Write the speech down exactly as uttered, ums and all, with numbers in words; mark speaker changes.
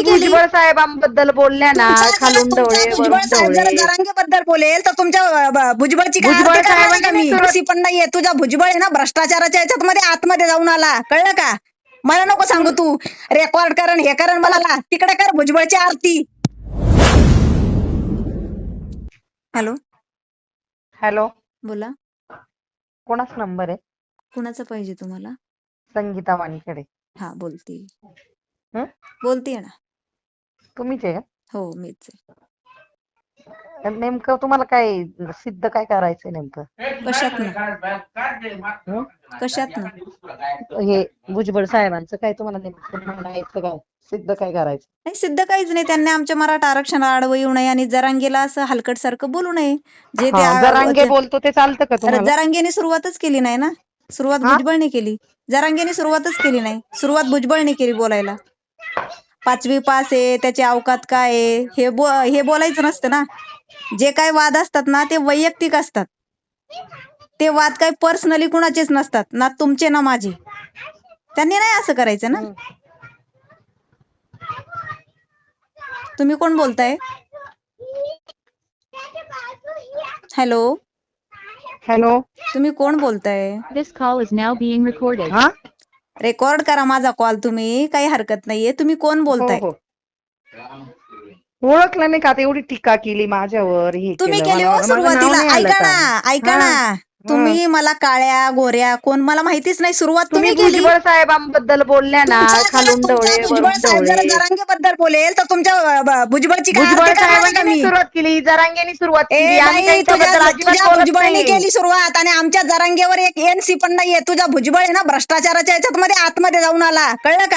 Speaker 1: केली
Speaker 2: भुजबळ साहेबांबद्दल बोलल्या ना,
Speaker 1: तुमच्या जरा-
Speaker 2: खालून
Speaker 1: तुमच्या
Speaker 2: ढवळे
Speaker 1: भुजबळ
Speaker 2: वरून
Speaker 1: साहेब जरा
Speaker 2: ढवळे.
Speaker 1: जरांगेबद्दल बोलेल तर तुमच्या अ, ब- भुजबळची काय
Speaker 2: भुजबळ
Speaker 1: आरती करणार आहे का
Speaker 2: साहेबांनी
Speaker 1: मी
Speaker 2: सुरुवात-
Speaker 1: सी पण नाहीये तुझा भुजबळ आहे ना भ्रष्टाचाराच्या याच्यात मध्ये आतमध्ये जाऊन आला कळलं का मला नको सांगू तू रेकॉर्ड करण हे करण मला तिकडे कर भुजबळची आरती. हॅलो
Speaker 2: हॅलो,
Speaker 1: बोला
Speaker 2: कोणाच नंबर आहे?
Speaker 1: कुणाचं पाहिजे तुम्हाला?
Speaker 2: संगीता वाणीकडे.
Speaker 1: हा बोलते
Speaker 2: हं?
Speaker 1: बोलतीये ना.
Speaker 2: तुम्हीच आहे
Speaker 1: हो मीच आहे.
Speaker 2: का? नेमकं तुम्हाला काय सिद्ध काय करायचंय नेमकं?
Speaker 1: कशातनं
Speaker 2: हं?
Speaker 1: कशातनं
Speaker 2: हे भुजबळ साहेबांचं काय तुम्हाला नेमकं म्हणायचं काय? सिद्ध काय करायचं?
Speaker 1: नाही सिद्ध काहीच नाही त्यांनी आमच्या मराठा आरक्षणाला आडवं येऊ नये आणि जरांगेला असं हलकट सारखं बोलू नये जे ते
Speaker 2: हा,
Speaker 1: आ-
Speaker 2: जरांगे
Speaker 1: ते-
Speaker 2: बोलतो ते चालतं का
Speaker 1: अरे
Speaker 2: तुम्हाला?
Speaker 1: जरांगेने सुरुवातच केली नाही ना. सुरुवात
Speaker 2: हा?
Speaker 1: भुजबळने केली. जरांगेने सुरुवातच केली नाही. सुरुवात भुजबळने केली बोलायला. पाचवी पास आहे त्याची अवकात काय आहे हे बो हे बोलायचं नसतं ना. जे काय वाद असतात ना ते वैयक्तिक असतात. ते वाद काय पर्सनली कुणाचेच नसतात ना तुमचे ना माझे. त्यांनी नाही असं करायचं ना.
Speaker 2: हं.
Speaker 1: तुम्ही कोण बोलताय? हॅलो
Speaker 2: हॅलो,
Speaker 1: तुम्ही कोण बोलताय?
Speaker 3: This call is now being recorded.
Speaker 2: हा?
Speaker 1: रेकॉर्ड करा माझा कॉल तुम्ही काही हरकत नाहीये. तुम्ही कोण
Speaker 2: हो
Speaker 1: बोलताय?
Speaker 2: हो. ओळखलं नाही का? आता एवढी टीका केली माझ्यावर, हे
Speaker 1: तुम्ही
Speaker 2: केलं,
Speaker 1: केली
Speaker 2: मला
Speaker 1: हो
Speaker 2: माझं नाव
Speaker 1: सुरुवातीला.
Speaker 2: नाही आलं
Speaker 1: ऐका
Speaker 2: का?
Speaker 1: ना ऐका
Speaker 2: हा,
Speaker 1: ना
Speaker 2: हा.
Speaker 1: तुम्ही मला काळ्या गोऱ्या कोण मला माहितीच नाही. सुरुवात
Speaker 2: तुम्ही
Speaker 1: तुम्ही केली.
Speaker 2: भुजबळ साहेबांबद्दल बोलल्या ना,
Speaker 1: तुमच्या जरा-
Speaker 2: खालून
Speaker 1: तुमच्या
Speaker 2: ढवळे
Speaker 1: भुजबळ
Speaker 2: वरून
Speaker 1: साहेब जरा
Speaker 2: ढवळे.
Speaker 1: जरांगेबद्दल बोलेल तर तुमच्या अ, ब- भुजबळची काय
Speaker 2: भुजबळ
Speaker 1: आरती करणार आहे का
Speaker 2: साहेबांनी
Speaker 1: मी?
Speaker 2: सुरुवात केली, जरांगेनी सुरुवात
Speaker 1: ए
Speaker 2: केली. आम्ही
Speaker 1: नाही तुझ्या
Speaker 2: त्यांच्याबद्दल अजिबात
Speaker 1: तुझ्या
Speaker 2: बोलत
Speaker 1: भुजबळने
Speaker 2: नाही.
Speaker 1: केली सुरुवात आणि आमच्या जरांगेवर एक एनसी पण नाहीये. तुझा भुजबळ आहे ना भ्रष्टाचाराच्या याच्यात मध्ये आतमध्ये जाऊन आला कळलं का?